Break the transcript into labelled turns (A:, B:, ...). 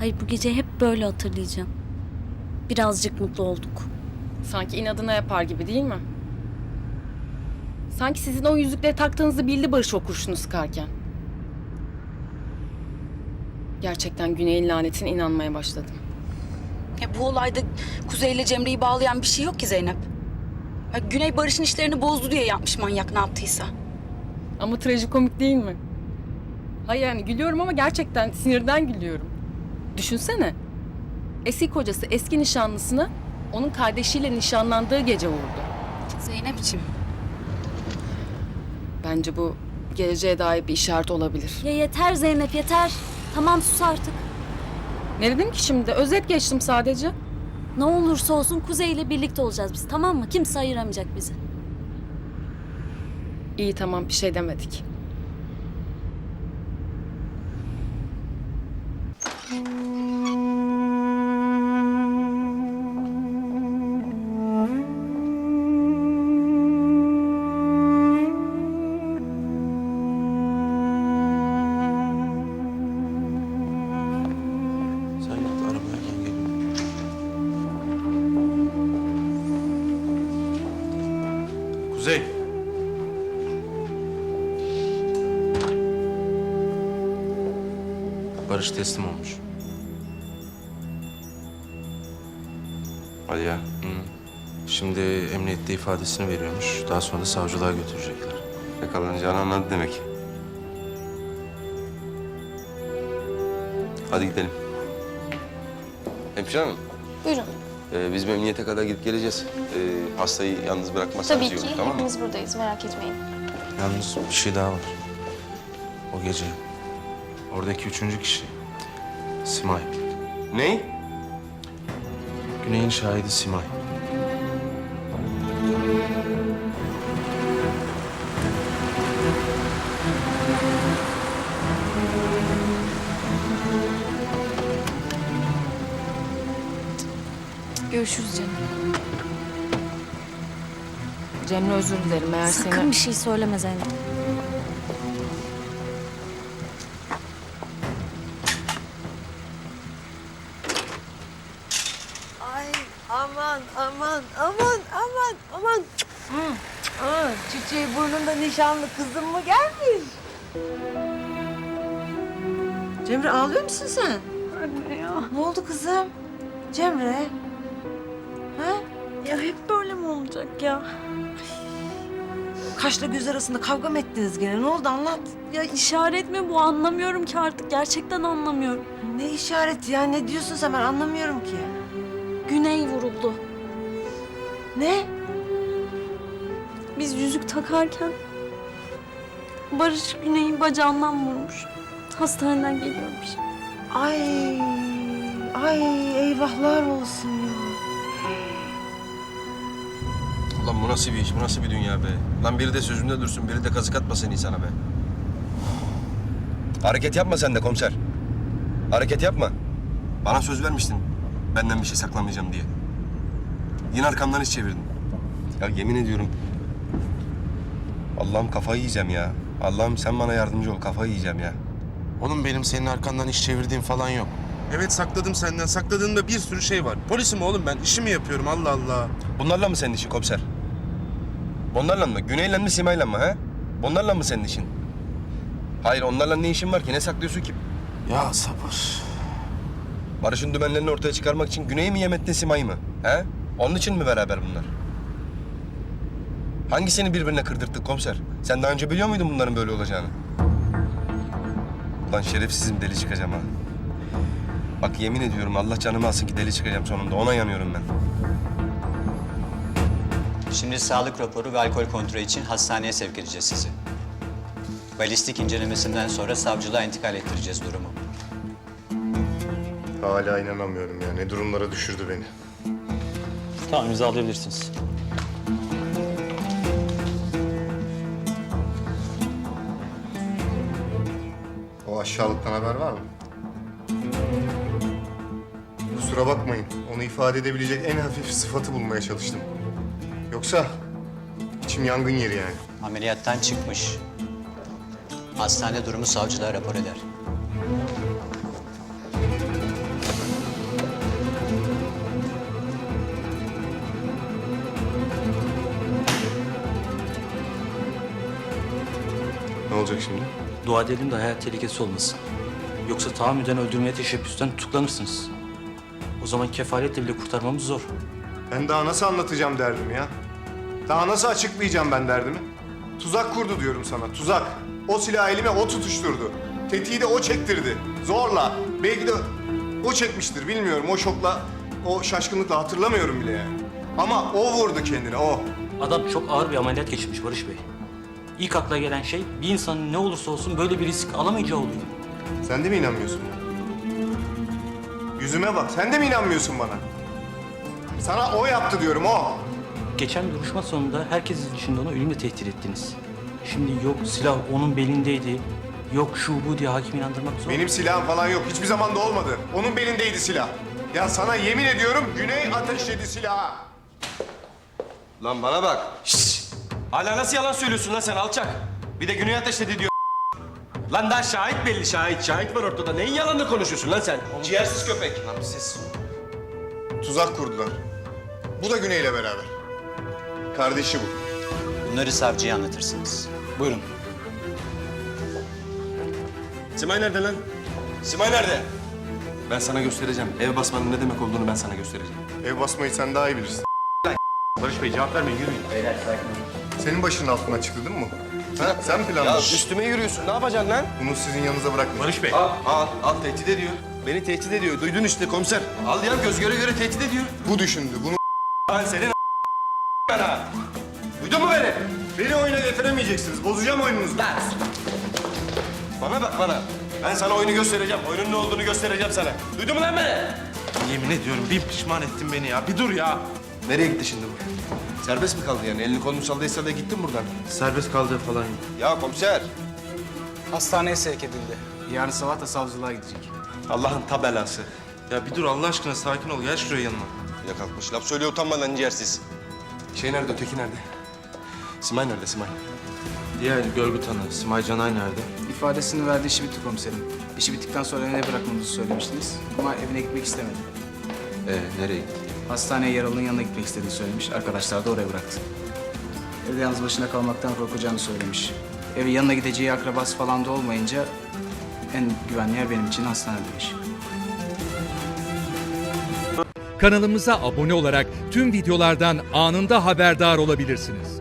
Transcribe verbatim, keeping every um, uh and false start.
A: Hayır, bu gece hep böyle hatırlayacağım. Birazcık mutlu olduk.
B: Sanki inadına yapar gibi değil mi? Sanki sizin o yüzükleri taktığınızı bildi Barış o kurşunu sıkarken. Gerçekten Güney'in lanetine inanmaya başladım.
C: Ya bu olayda Kuzey ile Cemre'yi bağlayan bir şey yok ki Zeynep. Ya Güney Barış'ın işlerini bozdu diye yapmış manyak ne yaptıysa.
B: Ama trajikomik değil mi? Hayır yani gülüyorum ama gerçekten sinirden gülüyorum. Düşünsene. Eski kocası eski nişanlısını onun kardeşiyle nişanlandığı gece vurdu.
C: Zeynep'ciğim.
B: Bence bu geleceğe dair bir işaret olabilir.
A: Ya yeter Zeynep, yeter. Tamam, sus artık.
B: Ne dedim ki şimdi? Özet geçtim sadece.
A: Ne olursa olsun Kuzey ile birlikte olacağız biz, tamam mı? Kimse ayıramayacak bizi.
B: İyi tamam bir şey demedik.
D: Sen git arabaya gel geliyorum. Kuzey. Barış teslim olmuş.
E: Hadi ya.
D: Hı. Şimdi emniyette ifadesini veriyormuş. Daha sonra da savcılığa götürecekler.
E: Yakalanacağını anladı demek. Hadi gidelim. Hemşire hanım,
F: Buyurun.
E: e, biz memnuniyete kadar gidip geleceğiz. E, hastayı yalnız bırakmazsanız
F: Tabii
E: iyi
F: ki.
E: olur, tamam mı?
F: Hepimiz buradayız. Merak etmeyin.
D: Yalnız bir şey daha var. O gece oradaki üçüncü kişi Simay.
E: Ney?
D: Güney'in şahidi Simay.
F: Görüşürüz canım.
B: Cemre özür dilerim eğer
A: Sakın
B: seni...
A: bir şey söyleme Zeynep.
G: Ay aman aman aman aman aman. Hmm. Aa, çiçeği burnunda nişanlı kızım mı gelmiş? Cemre ağlıyor musun sen?
H: Anne ya.
G: Ne oldu kızım? Cemre. Ha?
H: Ya hep böyle mi olacak ya?
G: Kaşla göz arasında kavga mı ettiniz gene? Ne oldu anlat.
H: Ya işaret mi bu? Anlamıyorum ki artık. Gerçekten anlamıyorum.
G: Ne işareti ya? Ne diyorsun sen? Ben anlamıyorum ki.
H: Güney vuruldu.
G: Ne?
H: Biz yüzük takarken Barış Güney'i bacağından vurmuş. Hastaneden geliyormuş.
G: Ay, ay eyvahlar olsun ya.
E: Ulan bu nasıl bir iş, bu nasıl bir dünya be? Lan biri de sözünde dursun, biri de kazık atmasın insana be. Hareket yapma sen de komiser. Hareket yapma. Bana söz vermiştin benden bir şey saklamayacağım diye. Yine arkamdan iş çevirdin. Ya yemin ediyorum. Allah'ım kafayı yiyeceğim ya. Allah'ım sen bana yardımcı ol, kafayı yiyeceğim ya.
D: Oğlum benim senin arkandan iş çevirdiğim falan yok. Evet sakladım senden. Sakladığında bir sürü şey var. Polisim oğlum ben. İşimi yapıyorum Allah Allah.
E: Bunlarla mı senin işin komiser? Bunlarla mı? Güney'le mi Simay'la mı ha? Bunlarla mı senin işin? Hayır onlarla ne işin var ki? Ne saklıyorsun ki?
D: Ya sabır.
E: Barış'ın dümenlerini ortaya çıkarmak için Güney'i mi yem ettin Simay'ı mı? He? Onun için mi beraber bunlar? Hangisini birbirine kırdırttık komiser? Sen daha önce biliyor muydun bunların böyle olacağını? Ulan şerefsizim deli çıkacağım ha. Bak yemin ediyorum Allah canımı alsın ki deli çıkacağım sonunda. Ona yanıyorum ben.
I: Şimdi sağlık raporu ve alkol kontrolü için hastaneye sevk edeceğiz sizi. Balistik incelemesinden sonra savcılığa intikal ettireceğiz durumu.
J: Hala inanamıyorum ya. Ne durumlara düşürdü beni.
K: Tamam, imzalayabilirsiniz.
J: O aşağılıktan haber var mı? Kusura bakmayın. Onu ifade edebilecek en hafif sıfatı bulmaya çalıştım. Yoksa içim yangın yeri yani.
I: Ameliyattan çıkmış. Hastane durumu savcılığa rapor eder.
J: olacak şimdi?
K: Dua edelim de hayat tehlikesi olmasın. Yoksa tahammüden öldürmeye teşebbüsten tutuklanırsınız. O zaman kefaletle bile kurtarmamız zor.
J: Ben daha nasıl anlatacağım derdimi ya? Daha nasıl açıklayacağım ben derdimi? Tuzak kurdu diyorum sana, tuzak. O silahı elime o tutuşturdu. Tetiği de o çektirdi. Zorla. Belki de o çekmiştir, bilmiyorum. O şokla, o şaşkınlıkla hatırlamıyorum bile yani. Ama o vurdu kendine, o.
K: Adam çok ağır bir ameliyat geçirmiş Barış Bey. İlk akla gelen şey bir insanın ne olursa olsun böyle bir risk alamayacağı oluyor.
J: Sen de mi inanmıyorsun? Yüzüme bak, sen de mi inanmıyorsun bana? Sana o yaptı diyorum, o.
K: Geçen duruşma sonunda herkesin dışında onu ölümle tehdit ettiniz. Şimdi yok silah onun belindeydi, yok şu bu diye hakim inandırmak zor.
J: Benim silahım falan yok, hiçbir zaman da olmadı. Onun belindeydi silah. Ya sana yemin ediyorum, Güney ateşledi silahı.
E: Lan bana bak. Şşş! Hala nasıl yalan söylüyorsun lan sen alçak? Bir de Güney ateşledi diyor. Lan daha şahit belli, şahit. Şahit var ortada. Neyin yalanını konuşuyorsun lan sen? Ciğersiz köpek. Lan siz...
J: Tuzak kurdular. Bu da Güney'le beraber. Kardeşi bu.
I: Bunları savcıya anlatırsınız.
K: Buyurun.
E: Simay nerede lan? Simay nerede? Ben sana göstereceğim. Ev basmanın ne demek olduğunu ben sana göstereceğim.
J: Ev basmayı sen daha iyi bilirsin.
E: Barış Bey cevap vermeyin, yürüyün.
I: Beyler sakin olun.
J: Senin başının altına çıktı değil mi bu? Ha? Sen
E: Ya
J: planladın.
E: üstüme yürüyorsun. Ne yapacaksın lan?
J: Bunu sizin yanınıza bırakmayın.
K: Barış Bey.
E: Al, al, al. Tehdit ediyor. Beni tehdit ediyor. Duydun işte komiser. Al ya göz göre göre tehdit ediyor.
J: Bu düşündü. Bunu
E: Ben senin bana. Duydun mu beni?
J: beni oyuna getiremeyeceksiniz. Bozacağım oyununuzu.
E: Bana bak bana. Ben sana oyunu göstereceğim. Oyunun ne olduğunu göstereceğim sana. Duydun mu lan beni?
D: Yemin ediyorum bin pişman ettin beni ya. Bir dur ya.
E: Nereye gitti şimdi bu? Serbest mi kaldı yani? Elini kolunu sallaysa da gittin buradan.
D: Serbest kaldığı falan yok.
E: Ya komiser.
L: Hastaneye sevk edildi. Yarın sabah da savcılığa gidecek.
E: Allah'ın tabelası.
D: Ya bir dur Allah aşkına sakin ol. Gel şuraya yanıma.
E: Ya kalkmış. Laf söylüyor utanmadan ciğersiz. Şey nerede? Öteki nerede? Simay nerede Simay?
D: Diğer görgü tanığı Simay Canay nerede?
L: İfadesini verdi, işi bitti komiserim. İşi bittikten sonra evine bırakmamızı söylemiştiniz. Ama evine gitmek istemedi.
E: Ee, nereye gitti?
L: Hastaneye yaralının yanına gitmek istediğini söylemiş. Arkadaşlar da oraya bıraktı. Evde yalnız başına kalmaktan korkacağını söylemiş. Evi yanına gideceği akrabası falan da olmayınca en güvenli yer benim için hastane demiş.
M: Kanalımıza abone olarak tüm videolardan anında haberdar olabilirsiniz.